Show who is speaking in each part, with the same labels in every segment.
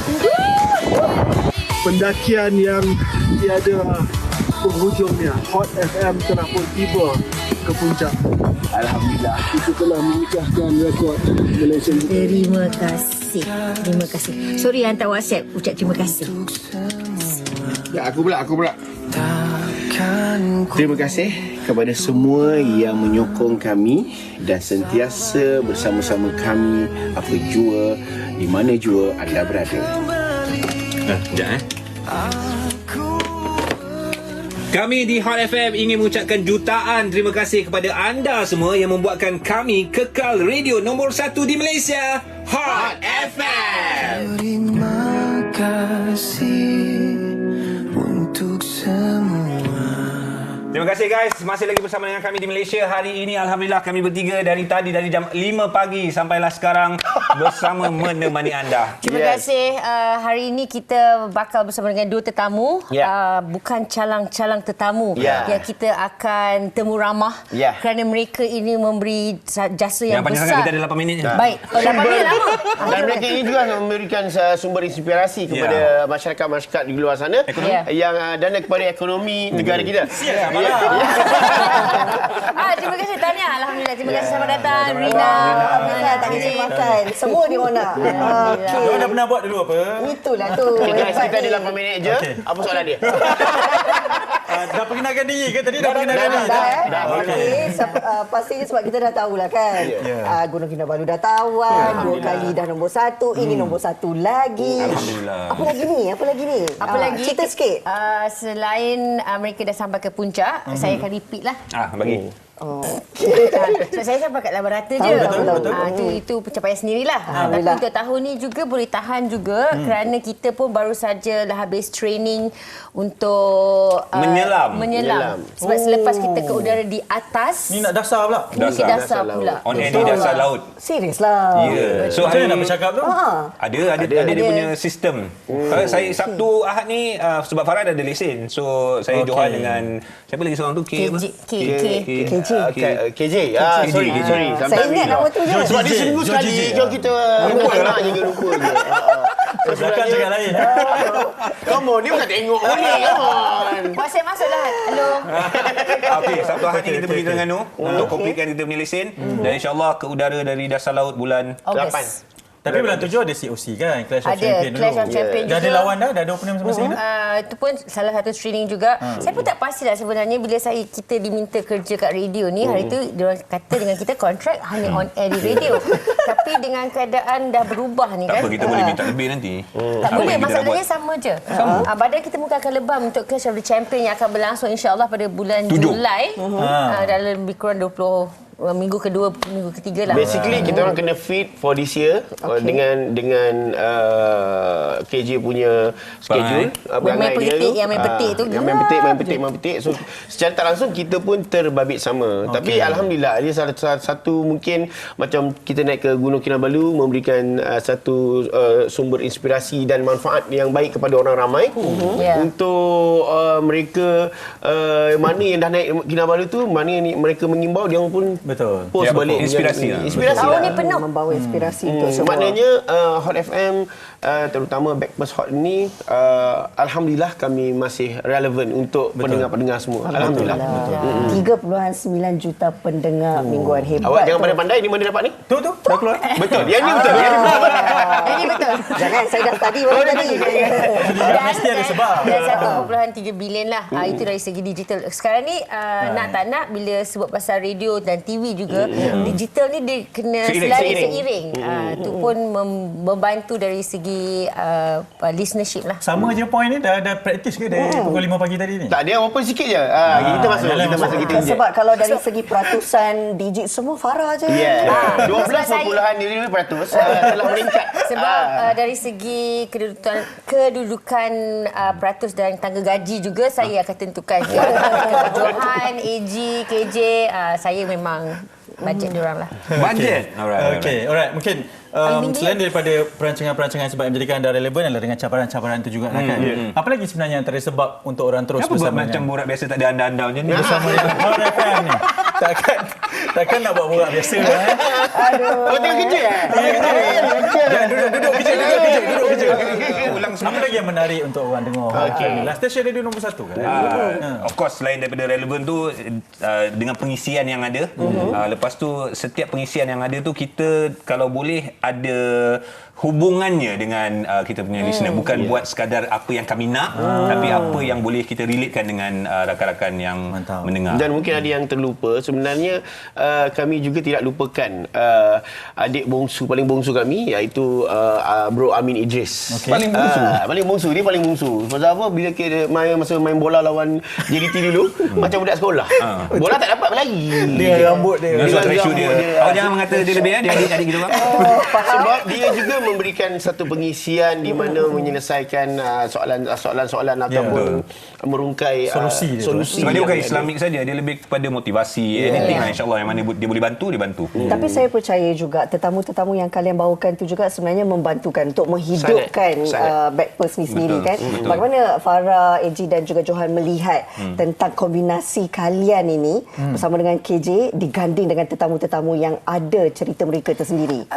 Speaker 1: Pendakian yang tiada penghujungnya. Hot FM telah pun tiba ke puncak. Alhamdulillah, kita telah memecahkan rekod Malaysia.
Speaker 2: Terima kasih. Terima kasih. Sorry hantar WhatsApp ucap terima kasih.
Speaker 3: Ya, aku pula. Terima kasih kepada semua yang menyokong kami dan sentiasa bersama-sama kami apa jua, di mana jua anda berada.
Speaker 4: Sekejap Kami di Hot FM ingin mengucapkan jutaan terima kasih kepada anda semua yang membuatkan kami kekal radio nombor 1 di Malaysia, Hot FM.
Speaker 5: Terima kasih untuk semua.
Speaker 4: Terima kasih guys, masih lagi bersama dengan kami di Malaysia. Hari ini Alhamdulillah kami bertiga dari jam 5 pagi sampailah sekarang bersama menemani anda.
Speaker 2: Terima kasih. Hari ini kita bakal bersama dengan dua tetamu. Bukan calang-calang tetamu yang kita akan temu ramah kerana mereka ini memberi jasa yang
Speaker 4: panjang
Speaker 2: besar.
Speaker 4: sangat, kita ada 8 minit je.
Speaker 2: Baik, 8 minit lama.
Speaker 3: Dan mereka ini juga memberikan sumber inspirasi kepada masyarakat-masyarakat di luar sana yang dana kepada ekonomi negara kita.
Speaker 2: Terima kasih Tania. Alhamdulillah. Terima kasih selamat datang Rina.
Speaker 6: Alhamdulillah tak kisah makan. Semua di mana?
Speaker 7: Diorang dah pernah buat dulu apa?
Speaker 6: Itulah tu.
Speaker 3: Okay guys, kita ada 8 minit je. Apa soalan dia?
Speaker 7: Dah perkenalkan diri ke tadi? Dah perkenalkan diri?
Speaker 6: Dah. Pastinya sebab kita dah tahulah kan. Gunung Kinabalu dah tahu kan. 2 kali dah nombor 1. Ini nombor 1 lagi.
Speaker 4: Alhamdulillah.
Speaker 6: Apa lagi ni?
Speaker 2: Apa lagi?
Speaker 6: Cerita sikit.
Speaker 2: Selain mereka dah sampai ke puncak, saya akan repeat lah.
Speaker 4: Bagi.
Speaker 2: So, saya sampai kat lawan rata je.
Speaker 6: Betul.
Speaker 2: Itu pencapaian sendirilah. Tapi untuk tahun ni juga boleh tahan juga kerana kita pun baru saja dah habis training untuk menyelam. Sebab selepas kita ke udara di atas,
Speaker 7: Ni nak dasar pula.
Speaker 2: dasar pula.
Speaker 4: On air di dasar laut.
Speaker 6: Serius lah.
Speaker 4: So
Speaker 7: Macam mana
Speaker 4: hari
Speaker 7: nak bercakap tu?
Speaker 4: ada dia punya sistem. Saya Sabtu Ahad ni sebab Farah dah ada lesen. So saya johan dengan siapa lagi seorang tu?
Speaker 3: KJ. Sorry.
Speaker 6: Saya ingat nama tu je.
Speaker 3: Sebab dia seminggu sekali. Jom kita lupa je.
Speaker 7: Belakang cakap lain.
Speaker 3: Come on, dia bukan tengok ni. Come on.
Speaker 2: WhatsApp masuklah. Hello.
Speaker 4: Okey, Sabtu Ahad ni kita pergi Terengganu untuk completekan kita punya lesen dan insya-Allah ke udara dari dasar laut bulan
Speaker 2: Ogos.
Speaker 7: Tapi bulan 7 ada COC kan? Clash of Champion dulu.
Speaker 2: Clash of Champion juga.
Speaker 7: Dah ada lawan dah? Dah ada opponent masing-masing dah?
Speaker 2: Itu pun salah satu training juga. Saya pun tak pastilah sebenarnya bila kita diminta kerja kat radio ni. Hari tu diorang kata dengan kita kontrak hanya on air di radio. Tapi dengan keadaan dah berubah ni kan.
Speaker 4: tak apa, kita boleh minta lebih nanti.
Speaker 2: Tak boleh, masalahnya sama je. Badan kita mungkin akan lebam untuk Clash of the Champion yang akan berlangsung insya-Allah pada bulan Julai. Dalam lebih kurang 20 minggu kedua, minggu ketiga lah.
Speaker 3: Basically kita orang kena fit for this year dengan KJ punya schedule.
Speaker 2: Main petik tu.
Speaker 3: Yang main petik. So secara tak langsung kita pun terbabit sama. Tapi alhamdulillah dia salah satu mungkin macam kita naik ke Gunung Kinabalu memberikan satu sumber inspirasi dan manfaat yang baik kepada orang ramai untuk mereka mana yang dah naik Kinabalu tu, mana yang mereka mengimbau dia pun
Speaker 7: Betul.
Speaker 3: post balik
Speaker 4: Inspirasi lah.
Speaker 6: Tahun ni penuh membawa inspirasi untuk semua.
Speaker 3: Maknanya Hot FM terutama Backpast Hot ni alhamdulillah kami masih relevan untuk pendengar-pendengar semua. Alhamdulillah.
Speaker 6: 3.9 juta pendengar mingguan hebat.
Speaker 3: Awak jangan pandai-pandai ni mana dapat ni?
Speaker 7: Tu dah keluar.
Speaker 3: Betul. Yang ni betul.
Speaker 2: Ini betul.
Speaker 6: Jangan saya dah tadi tadi.
Speaker 7: Mesti ada sebab.
Speaker 2: Dan 1.3 bilion lah. Itu dari segi digital. Sekarang ni nak tak nak bila sebut pasal radio dan TV juga, digital ni dia kena seiring. Itu pun membantu dari segi listenership lah.
Speaker 7: Sama je point ni dah praktis ke dari pukul 5 pagi tadi ni?
Speaker 3: Tak, dia open sikit je. Kita masuk. Kita inject.
Speaker 6: Sebab kalau dari segi peratusan digit semua Farah je.
Speaker 3: 12.5% telah meningkat.
Speaker 2: Sebab dari segi kedudukan peratus dan tangga gaji juga saya akan tentukan. Johan, AG, KJ, saya memang bajet diorang lah.
Speaker 4: Bajet.
Speaker 7: Alright. Mungkin selain daripada perancangan-perancangan sebab yang menjadikan anda relevan adalah dengan cabaran-cabaran itu juga kan. Apa lagi sebenarnya antara sebab untuk orang terus
Speaker 4: Kenapa buat
Speaker 7: bersama
Speaker 4: macam borak biasa tak ada anda-anda macam ni?
Speaker 7: bersama dengan Hot FM ni? takkan nak buat borak biasa lah.
Speaker 3: Kau tengah kerja
Speaker 7: Jangan duduk kerja. Apa lagi yang menarik untuk orang dengar? Last Station Radio nombor 1 kan?
Speaker 4: Of course, selain daripada relevan tu, dengan pengisian yang ada, lepas tu setiap pengisian yang ada tu, kita kalau boleh ada hubungannya dengan kita punya listener, bukan buat sekadar apa yang kami nak, tapi apa yang boleh kita relatekan dengan rakan-rakan yang mendengar.
Speaker 3: Dan mungkin ada yang terlupa, sebenarnya kami juga tidak lupakan adik bongsu, paling bongsu kami, iaitu Bro Amin Idris.
Speaker 4: Paling bongsu?
Speaker 3: Paling bongsu, dia paling bongsu. Pasal apa? Bila kita masa main bola lawan JDT dulu, macam budak sekolah. Bola tak dapat berlari.
Speaker 6: Dia rambut dia.
Speaker 4: Dengan suara ratio dia. Awak jangan mengata dia lebih, dia adik-adik gitu kan.
Speaker 3: Sebab dia juga memberikan satu pengisian di mana menyelesaikan soalan-soalan ataupun merungkai solusi.
Speaker 4: Sebab dia bukan Islamik saja, dia lebih kepada motivasi, anything lah, insyaAllah yang mana dia boleh bantu, dia bantu.
Speaker 6: Tapi saya percaya juga tetamu-tetamu yang kalian bawakan tu juga sebenarnya membantukan untuk menghidupkan Backpers ni sendiri kan.
Speaker 4: Betul.
Speaker 6: Bagaimana Farah, AG dan juga Johan melihat tentang kombinasi kalian ini bersama dengan KJ diganding dengan tetamu-tetamu yang ada cerita mereka tersendiri?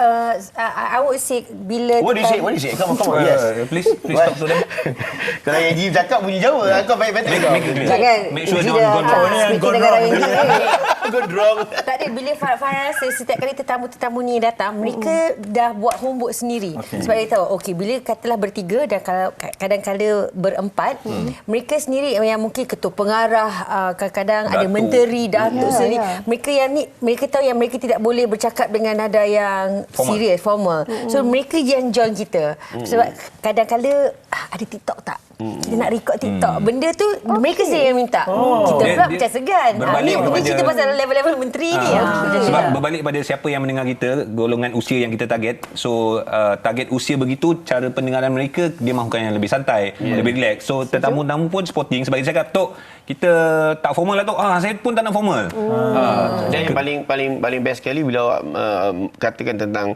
Speaker 2: I would say bila
Speaker 3: What do you say? Come on. Yes.
Speaker 4: Please talk to them.
Speaker 3: Kalau AG cakap bunyi Jawa, kau baik betul.
Speaker 6: Jangan
Speaker 4: Make sure
Speaker 6: AG
Speaker 4: don't
Speaker 6: dah
Speaker 4: go wrong.
Speaker 6: speaking dengan AG.
Speaker 3: Gondrong.
Speaker 2: tak ada, bila Farah rasa setiap kali tetamu-tetamu ni datang, mereka dah buat homework sendiri. Sebab dia tahu, okey, bila katalah bertiga dan kalau kadang-kadang berempat, mereka sendiri yang mungkin ketua pengarah, kadang-kadang ada menteri, datuk sendiri. Mereka yang ni, mereka tahu yang mereka tidak boleh bercakap dengan nada yang serius, formal. So mereka yang join kita. Sebab kadang-kadang ada TikTok tak? Kita nak record TikTok. Benda tu mereka sendiri yang minta. Kita pula macam segan. Ni cerita pasal level-level menteri ni.
Speaker 4: Sebab berbalik pada siapa yang mendengar kita, golongan usia yang kita target. So target usia begitu, cara pendengaran mereka dia mahukan yang lebih santai, lebih relax. So tetamu-tetamu pun sporting. Sebab dia cakap, Tok, kita tak formal lah, Tok. Saya pun tak nak formal.
Speaker 3: Dan yang paling best sekali bila awak katakan tentang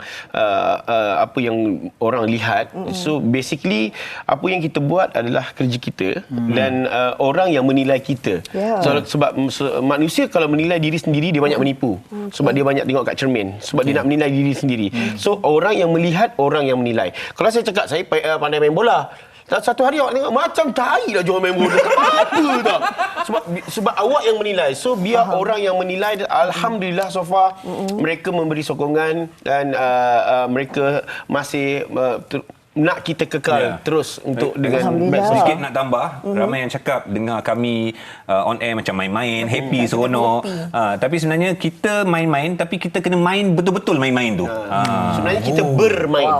Speaker 3: apa yang orang lihat. So basically apa yang kita buat adalah kerja kita dan orang yang menilai kita. Sebab manusia kalau menilai diri sendiri dia banyak menipu. Sebab dia banyak tengok kat cermin. Sebab dia nak menilai diri sendiri. So orang yang melihat, orang yang menilai. Kalau saya cakap saya pandai main bola, satu hari awak tengok macam tai lah jual main bola. Apa tak? Sebab awak yang menilai. So biar orang yang menilai. Alhamdulillah so far mereka memberi sokongan dan mereka masih nak kita kekal terus untuk dengan
Speaker 4: sedikit nak tambah, ramai yang cakap dengar kami on air macam main-main, happy, seronok. Tapi sebenarnya kita main-main, tapi kita kena main betul-betul main-main tu.
Speaker 3: Sebenarnya kita bermain.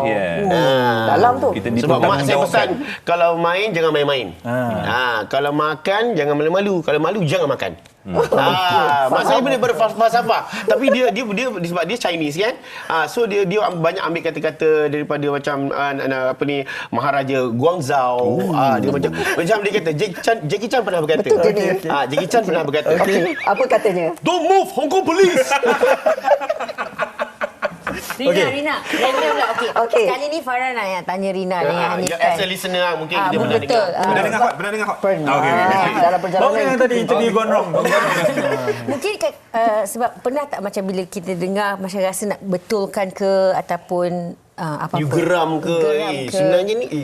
Speaker 6: Dalam tu.
Speaker 3: Sebab mak saya pesan, kalau main jangan main-main. Kalau makan jangan malu-malu, kalau malu jangan makan. Mak saya benar berfalsafah. Tapi dia sebab dia Chinese kan. So dia banyak ambil kata-kata daripada macam apa ni, Maharaja Guangzhou. Dia macam dia kata Jackie Chan pernah berkata. Jackie Chan pernah berkata.
Speaker 6: Apa katanya?
Speaker 3: Don't move, Hong Kong police.
Speaker 2: Rina pula. Okey. Kali ni Farah nak tanya Rina dengan Hanif.
Speaker 3: As a listener mungkin kita pernah dengar.
Speaker 4: Pernah dengar Hot?
Speaker 6: Dalam perjalanan
Speaker 7: yang tadi interview gone wrong.
Speaker 2: Mungkin sebab pernah tak macam bila kita dengar macam rasa nak betulkan ke ataupun apa-apa.
Speaker 3: You geram ke? Sebenarnya ni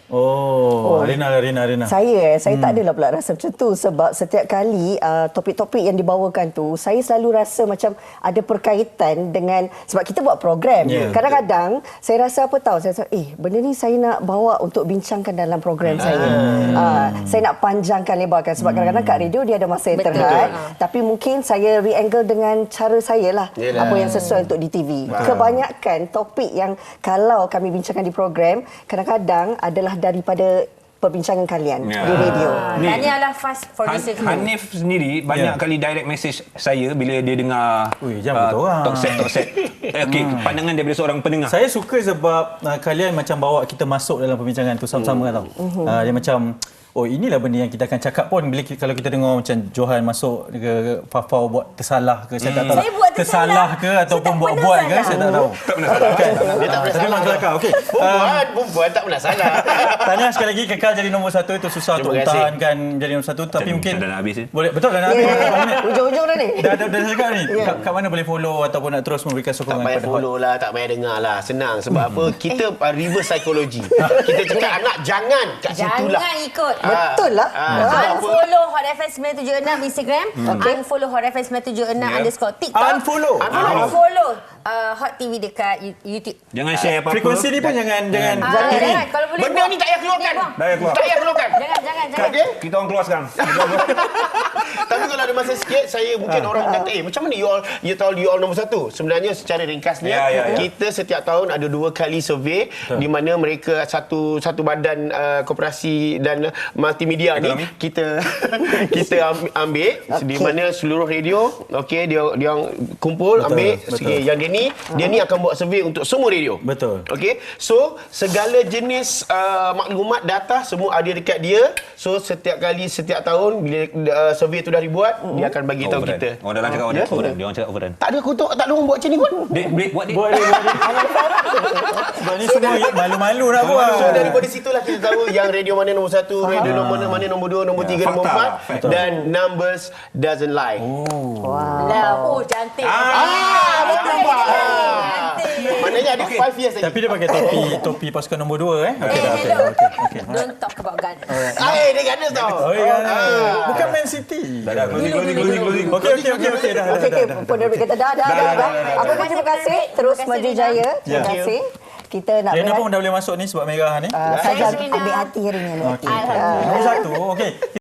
Speaker 7: Rina.
Speaker 6: Saya tak adalah pula rasa macam tu sebab setiap kali topik-topik yang dibawakan tu saya selalu rasa macam ada perkaitan dengan sebab kita buat program. Kadang-kadang saya rasa apa tahu, saya rasa benda ni saya nak bawa untuk bincangkan dalam program saya. Saya nak panjangkan, lebarkan sebab kadang-kadang kat radio dia ada masa yang terhad, tapi mungkin saya re-angle dengan cara saya lah. Apa yang sesuai untuk di TV. Kebanyakan topik yang kalau kami bincangkan di program kadang-kadang adalah daripada perbincangan kalian di radio.
Speaker 2: Tanya lah fast for this.
Speaker 4: Hanif sendiri banyak kali direct message saya bila dia dengar talk set. Pandangan daripada seorang pendengar.
Speaker 7: Saya suka sebab kalian macam bawa kita masuk dalam perbincangan tu sama-sama kan tau. Dia macam oh inilah benda yang kita akan cakap pun bila kalau kita dengar macam Johan masuk ke Fafau buat tersalah ke saya tak tahu.
Speaker 2: Saya buat
Speaker 7: tersalah ke ataupun buat-buat ke saya tak tahu.
Speaker 4: Tak pernah salah.
Speaker 3: Dia tak pernah
Speaker 7: Tapi
Speaker 3: salah.
Speaker 7: memang kelakar. Okey.
Speaker 3: Perempuan tak pernah salah.
Speaker 7: Tahniah sekali lagi kekal jadi nombor 1 itu susah
Speaker 3: Terima
Speaker 7: untuk
Speaker 3: kasih.
Speaker 7: pertahankan jadi nombor 1 tapi mungkin
Speaker 4: dah nak habis ni.
Speaker 7: boleh betul dah nak habis.
Speaker 6: Ujung-ujung dah ni.
Speaker 7: Dah cakap ni. Kat mana boleh follow ataupun nak terus memberikan
Speaker 3: Tak
Speaker 7: sokongan
Speaker 3: payah
Speaker 7: kepada Hot?
Speaker 3: follow lah, tak payah dengar lah. Senang. Sebab apa? Kita reverse psychology. Kita cakap anak jangan kat situ lah.
Speaker 2: Jangan ikut.
Speaker 6: Betul lah.
Speaker 2: Unfollow Hot FM 976 Instagram. Unfollow Hot FM 976 _ TikTok.
Speaker 7: Unfollow.
Speaker 2: Unfollow Hot TV dekat YouTube.
Speaker 4: Jangan share apa-apa.
Speaker 7: Frekuensi ni pun jangan
Speaker 2: Jangan. Kalau boleh
Speaker 3: Benda ni tak payah keluarkan.
Speaker 2: buang.
Speaker 4: Dah keluar.
Speaker 3: Tak payah keluarkan.
Speaker 2: Jangan.
Speaker 3: Okey?
Speaker 4: Kita orang keluar sekarang.
Speaker 3: Tapi kalau ada masa sikit, saya mungkin orang kata, macam mana you tahu you all nombor 1? Sebenarnya secara ringkasnya,
Speaker 4: Ya.
Speaker 3: kita setiap tahun ada 2 kali survey di mana mereka satu badan koperasi dan multimedia ni kita ambil di mana seluruh radio, okey, dia kumpul ambil sikit. Yang dia ni akan buat survey untuk semua radio.
Speaker 7: Betul.
Speaker 3: Okey. So segala jenis maklumat data semua ada dekat dia. So setiap tahun bila survey tu dah dibuat, dia akan bagi tahu kita.
Speaker 4: Orang dalam cakap overrun. Dia orang cakap overrun.
Speaker 3: Tak ada kutuk, tak ada orang buat macam ni pun.
Speaker 4: Break buat dia.
Speaker 7: Buat dia. Sebab ni semua malu-malu nak buat.
Speaker 3: So daripada situlah kita tahu yang radio mana nombor 1, radio mana nombor 2, nombor 3, nombor
Speaker 4: fakta.
Speaker 3: 4 dan numbers doesn't lie.
Speaker 2: Lah, cantik.
Speaker 3: Betul nampak. Maknanya ada 5 years lagi.
Speaker 7: Tapi dia pakai topi pasukan nombor 2 Okey dah.
Speaker 2: Hello.
Speaker 7: Okey.
Speaker 2: Don't talk about Ghana.
Speaker 3: Dia ganas tau.
Speaker 7: Oh ya. Bukan Man City.
Speaker 4: Dah, closing.
Speaker 7: Okey dah.
Speaker 6: Okey, penerbit kata dah. Apa pun terima kasih. Terus maju jaya. Terima kasih. Kita nak
Speaker 7: Rena pun dah boleh masuk ni sebab merah ni.
Speaker 6: Saja ambil hati hari ni.
Speaker 7: Okey. Nombor 1. Okey.